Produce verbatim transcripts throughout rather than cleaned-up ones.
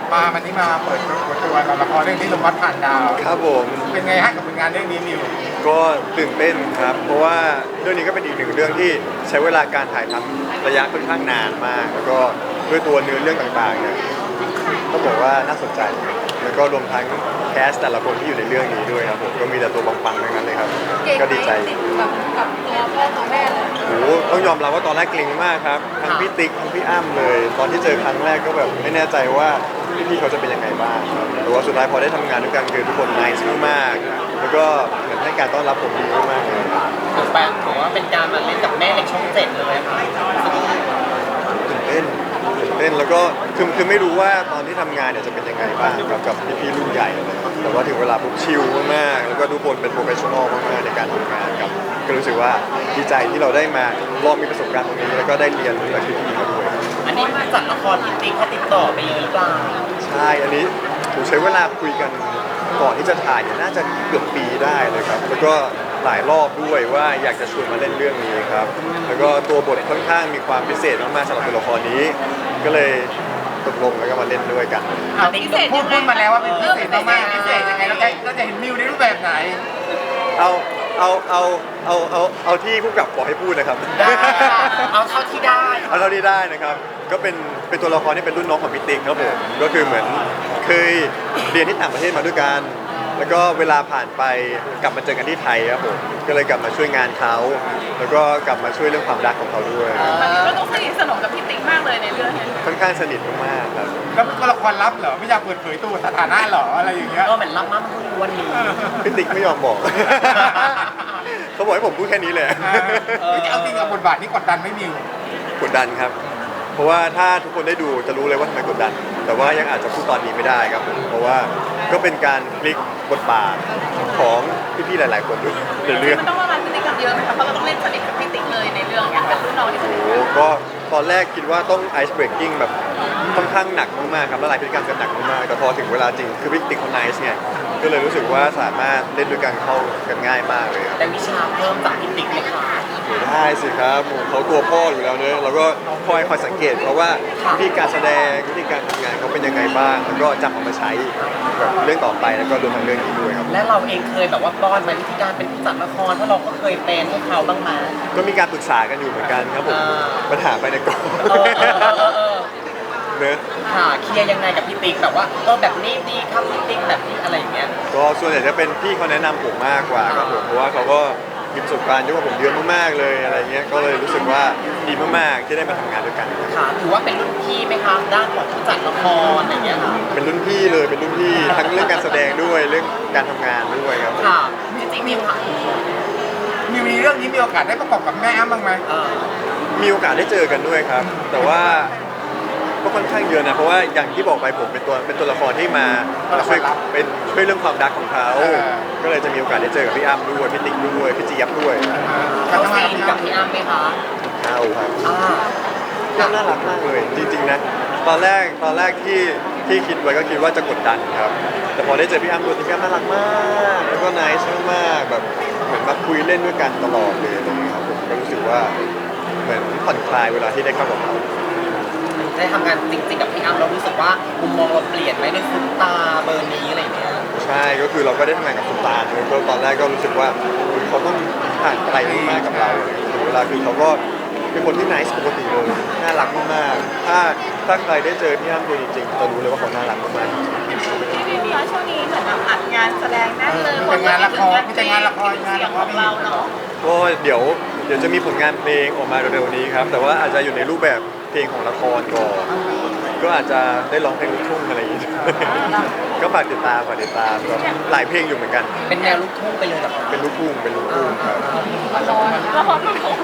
มาวันนี้มาเปิดตัวเปิดตัวกับละครเรื่องนี้ลมพัดผ่านดาวครับผมเป็นไงฮะกับผลงานเรื่องนี้มิวก็ตื่นเต้นครับ เพราะว่าเรื่องนี้ก็เป็นอีกหนึ่งเรื่องที่ใช้เวลาการถ่ายทำระยะค่อนข้างนานมาก แล้วก็ด้วยตัวเนื้อเรื่องต่างๆเนี่ยต้องบอกว่าน่าสนใจ แล้วก็รวมทั้งแคสแต่ละคนที่อยู่ในเรื่องนี้ด้วยครับผมก็มีแต่ตัวปังๆทั้งนั้นเลยครับก็ดีใจแบบกับตัวพ่อตัวแม่เลยโอ้โหต้องยอมรับว่าตอนแรกเกรงมากครับทั้งพี่ติ๊กทั้งพี่อ้ำเลย ตอนที่เจอครั้งแรกก็แบบไม่แน่ใจว่าพี่ๆเขาจะเป็นยังไงบ้างครับแต่ว่าสุดท้ายพอได้ทำงานด้วยกันคือทุกคนน่ารักมากๆแล้วก็เหมือนให้การต้อนรับผมดีมากๆเลยถือแปลถือว่าเป็นการมาเล่นกับแม่ในช่องเจ็ดเลยค่ะตื่นเต้นตื่นเต้นแล้วก็คือคือไม่รู้ว่าตอนที่ทำงานเนี่ยจะเป็นยังไงบ้างกับกับพี่ๆรุ่นใหญ่เลยแต่ว่าถึงเวลาปุ๊บชิลมากๆแล้วก็ทุกคนเป็นโปรเฟชชั่นอลมากๆในการทำงานครับก็รู้สึกว่าดีใจที่เราได้มาลองมีประสบการณ์ตรงนี้แล้วก็ได้เรียนรู้จากพี่ๆเขาด้วยอันนี้มาจากละครที่ติ๊กเขาติดต่อไปเยอะหรือเปล่าใช่อันนี้ผมใช้เวลาคุยกันก่อนที่จะถ่ายเนี่ยน่าจะเกือบปีได้เลยครับแล้วก็หลายรอบด้วยว่าอยากจะชวนมาเล่นเรื่องนี้ครับแล้วก็ตัวบทค่อนข้างมีความพิเศษมากๆสำหรับตัวละครนี้ ก็เลยตกลงแล้วก็มาเล่นด้วยกันเอาพูดพูดมาแล้วว่าเป็นพิเศษมากๆพิเศษยังไงเราจะเราจะเห็นมิวในรูปแบบไหนเอาเอาเอาเอาเอาเอาที่ผู้กำกับบอกให้พูดนะครับได้เอาเท่าที่ได้เอาเท่าที่ได้นะครับ ก็เป็นเป็นตัวละครที่เป็นรุ่นน้องของพี่ติ๊กครับผมก็คือเหมือนเคยเรียนที่ต่างประเทศมาด้วยกัน แล้วก็เวลาผ่านไปกลับมาเจอกันที่ไทยครับผมก็เลยกลับมาช่วยงานเขาแล้วก็กลับมาช่วยเรื่องความรักของเขาด้วยตอนนี้ก็ต้องสนิทสนมกับพี่ติ๊กมากเลยในเรื่องนี้ค่อนข้างสนิทมากๆครับแล้วเป็นตัวละครลับเหรอไม่อยากเปิดเผยตัวสถานะเหรออะไรอย่างเงี้ยก็เหมือนรักมากมันวันนี้พี่ติ๊กไม่ยอมบอก เขาบอกให้ผมพูดแค่นี้เลยเออเอาจริงกับบทบาทนี้กดดันไหม่มิวกดดันครับ เพราะว่าถ้าทุกคนได้ดูจะรู้เลยว่าทำไมกดดัน แต่ว่ายังอาจจะพูดตอนนี้ไม่ได้ครับผมเพราะว่าก็เป็นการพลิกบทบาทของพี่ๆหลายๆคนด้วยในเรื่องมันต้องละลายพฤติกรรมเยอะไหมคะเพราะเราต้องเล่นสนิทกับพี่ติ๊กเลยในเรื่องเนี่ยเป็นรุ่นน้องที่สนิทโอ้โหก็ตอนแรกคิดว่าต้องไอซ์เบรกกิ้งแบบค่อนข้างหนักมากๆครับละลายพฤติกรรมกันหนักมากๆแต่พอถึงเวลาจริงคือพี่ติ๊กเขาไนซ์ไงก็เลยรู้สึกว่าสามารถเล่นด้วยกันเข้ากันง่ายมากเลยครับแต่วิชาเพิ่มจากพี่ติ๊กไหมคะได้สิครับโอ้โหเขาตัวพ่ออยู่แล้วเนอะเราก็คอยคอยสังเกตเพราะว่าวิธีการแสดงวิธีการทำงานเขาเป็นยังไงบ้าง แล้วก็จำเอามาใช้แบบเรื่องต่อไปแล้วก็รวมทั้งเรื่องนี้ด้วยครับและเราเองเคยแบบว่าป้อนมาวิธีการเป็นผู้จัดละครเพราะเราก็เคยเป็นพวกเขาบ้างมาก็มีการปรึกษากันอยู่เหมือนกันครับผมอ่าปัญหาไปในกองเออเออเออเออเออเนอะค่ะเคลียร์ยังไงกับพี่ติ๊กแบบว่าเออแบบนี้ดีครับพี่ติ๊กแบบนี้อะไรอย่างเงี้ยก็ส่วนใหญ่จะเป็นพี่เขาแนะนำผมมากกว่าครับผมเพราะว่าเขาก็มีประสบการณ์เยอะกว่าผมเยอะมากๆเลยอะไรเงี้ยก็เลยรู้สึกว่าดีมากๆที่ได้มาทำงานด้วยกันค่ะถือว่าเป็นรุ่นพี่ไหมครับด้านของผู้จัดละครอะไรอย่างเงี้ยค่ะเป็นรุ่นพี่เลยเป็นรุ่นพี่ทั้งเรื่องการแสดงด้วยเรื่องการทำงานด้วยครับค่ะจริงๆมีค่ะมิวในเรื่องนี้มีโอกาสได้ประกอบกับแม่อ้ำบ้างไหมเออมีโอกาสได้เจอกันด้วยครับ แต่ว่าก็ค่อนข้างเยอะนะเพราะว่าอย่างที่บอกไปผมเป็นตัวเป็นตัวละครที่มาช่วยเป็นช่วยเรื่องความรักของเขาก็เลยจะมีโอกาสได้เจอกับพี่อ้ำด้วยพี่ติ๊กด้วยพี่เจี๊ยบด้วยการเข้าทำงานซีนกักับบ พี่พี่อ้ำอ้ำไหมคะเอาครับอ่าพี่อ้ำน่ารักมากเลยจริงๆนะตอนแรกตอนแรกที่ที่คิดไว้ก็คิดว่าจะกดดันครับ แต่พอได้เจอพี่อ้ำตัวจริงพี่อ้ำน่ารักมากแล้วก็นายช่างมากแบบเหมือนมาคุยเล่นด้วยกันตลอดเลยอะไรอย่างเงี้ยครับผมก็รู้สึกว่าเหมือนผ่อนคลายเวลาที่ได้เข้ากับเขาได้ทำงานจริงๆกับพี่อ้ำเรารู้สึกว่ามุมมองเราเปลี่ยนไหมในซุปตาเบอร์นี้อะไรอย่างเงี้ยใช่ก็คือเราก็ได้ทำงานกับคุณตาลด้วยก็ตอนแรกก็รู้สึกว่าอุ๊ยเขาต้องห่างไกลมากๆกับเราถึงเวลาคือเขาก็เป็นคนที่ไนซ์ปกติเลยน่ารักมากๆถ้าถ้าใครได้เจอพี่อ้ำตัวจริงๆจะรู้เลยว่าเขาน่ารักมากๆพี่บิ๊กคะช่วงนี้เหมือนแบบอัดงานแสดงแน่นเลยมีแต่งานละครมีแต่งานละครงานเสียละงคขรองเราเนาะก็เดี๋ยวเดี๋ยวจะมีผลงานเพลงออกมาเร็วๆนี้ครับ แต่ว่าอาจจะอยู่ในรูปแบบเพลงของละครก่อนก็อาจจะได้ร้องเพลงลูกทุ่งอะไรอย่างงี้ ก็ฝากติดตามฝากติดตามก็หลายเพลงอยู่เหมือนกันเป็นแนวลูกทุ่งไปเลยเหรอคะเป็นลูกทุ่งเป็นลูกทุ่งครับละครละครละคร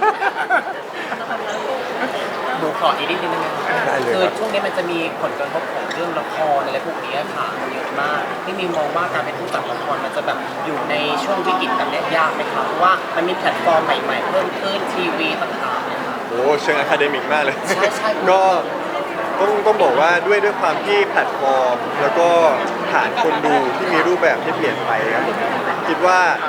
หนูขออีกนิดนึงได้ไหมคะได้เลยคือครับช่วงนี้มันจะมีผลกระทบของเรื่องละครอะไรพวกนี้ค่ะเยอะมากที่มีมองว่าการเป็นผู้จัดละครมันจะแบบอยู่ในช่วงวิกฤตแบบนี้ยากไหมคะเพราะว่ามันมีแพลตฟอร์มใหม่ๆเพิ่มขึ้นทีวีต่างๆเนี่ยค่ะโอ้เชิงอะคาเดมิกมากเลยใช่ใช่ก็ต้องต้องบอกว่าด้วยด้วยความที่แพลตฟอร์ม แล้วก็ฐานคนดูที่มีรูปแบบที่เปลี่ยนไปครับผมคิดว่า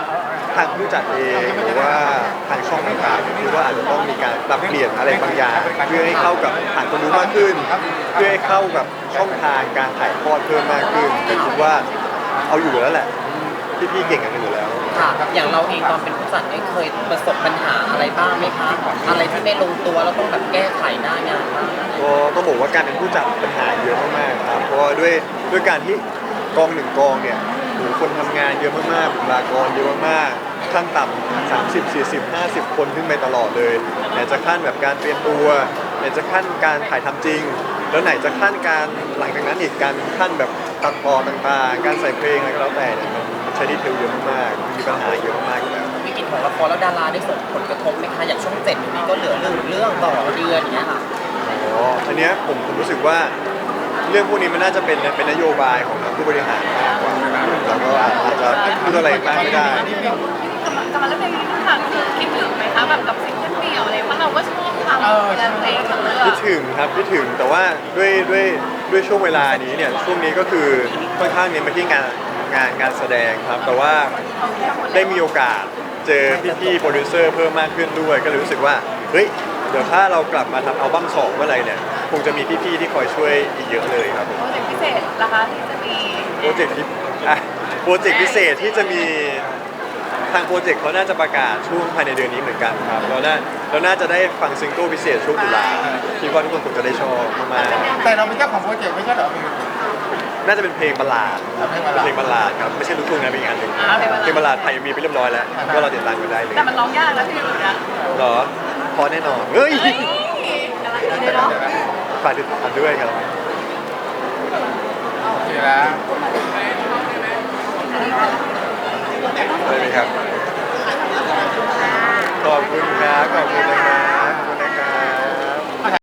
ทางผู้จัดเองหรือว่าทางช่องต่างๆคิดว่าอาจจะต้องมีการปรับเปลี่ยนอะไรบางอย่างเพื่อให้เข้ากับฐานคนดูมากขึ้น เพื่อให้เข้ากับช่องทางการถ่ายทอดเพิ่มมากขึ้นแต่คิดว่าเอาอยู่แล้วแหละพี่ๆเก่งกันอยู่แล้วค่ะ อย่างเราเองตอนเป็นผู้จัดเนี่ยเคยประสบปัญหาอะไรบ้างไหมคะ อะไรที่ไม่ลงตัวแล้วต้องแบบแก้ไขหน้างานบ้างก็ต้องบอกว่าการเป็นผู้จัดปัญหาเยอะมากๆครับเพราะว่าด้วยด้วยการที่กองหนึ่งกองเนี่ยโหคนทำงานเยอะมากๆบุคลากรเยอะมากๆขั้นต่ำสามสิบ สี่สิบ ห้าสิบคนขึ้นไปตลอดเลยไหนจะขั้นแบบการเตรียมตัวไหนจะขั้นการถ่ายทำจริง แล้วไหนจะขั้นการหลังจากนั้นอีกการขั้นแบบตัดต่อต่างๆ การใส่เพลงอะไรก็แล้วแต่เนี่ยมันใช้ดีเทลเยอะมากๆมีปัญหาเยอะมากอยู่แล้ววิกฤตของละครแล้วดาราได้ส่งผลกระทบไหมคะอย่างช่องเจ็ดอยู่นี้ก็เหลือเรื่องเรื่องต่อเดือนอย่างเงี้ยค่ะอ๋ออันเนี้ยผมผมรู้สึกว่าเรื่องพวกนี้มันน่าจะเป็นเป็นนโยบายของทางผู้บริหารมากกว่าแล้วก็อาจจะพูดอะไรมากไม่ได้กลับมากลับมาเรื่องเพลงนี้ค่ะคือคิดถึงไหมคะแบบกับซิงเกิลเดี่ยวอะไรเพราะเราก็ชอบทำงานเพลงทั้งเรื่องคิดถึงครับคิดถึงแต่ว่าด้วยด้วยด้วยช่วงเวลานี้เนี่ยช่วงนี้ก็คือค่อนข้างเน้นไปที่งานงานงานแสดงครับแต่ว่าได้มีโอกาสเจอพี่ๆโปรดิวเซอร์เพิ่มมากขึ้นด้วยก็เลยรู้สึกว่าเฮ้ยเดี๋ยวถ้าเรากลับมาทำอัลบั้มสองเมื่อไหรเนี่ยคงจะมีพี่ๆที่คอยช่วยอีกเยอะเลยครับผมโปรเจกต์พิเศษนะคะที่จะมีโปรเจกต์ที่อ่ะโปรเจกต์พิเศษที่จะมีทางโปรเจกต์เขาน่าจะประกาศช่วงภายในเดือนนี้เหมือนกันครับเราน่าเราน่าจะได้ฟังซิงเกิลพิเศษช่วงตุลาคิดว่าทุกคนคงจะได้ชอบมากแต่เราเป็นเจ้าของโปรเจกต์ไม่ใช่เหรอๆน่าจะเป็นเพลงบัลลาดเพลงบัลลาดเพลงบัลลาดครับไม่ใช่ลูกทุ่งนะเป็นอีกอันหนึ่งอ่าเพลงบัลลาดเพลงบัลลาดไทยมีไปเรียบร้อยแล้วก็เราติดตามกันได้เลยแต่มันร้องยากนะพี่หลุยนะเหรอพอแน่นอนเฮ้ยเฮ้ยกำลังดีเลยเนาะฝากติดตามด้วยครับโอเคแล้วได้ไหมครับขอบคุณครับขอบคุณนะครับ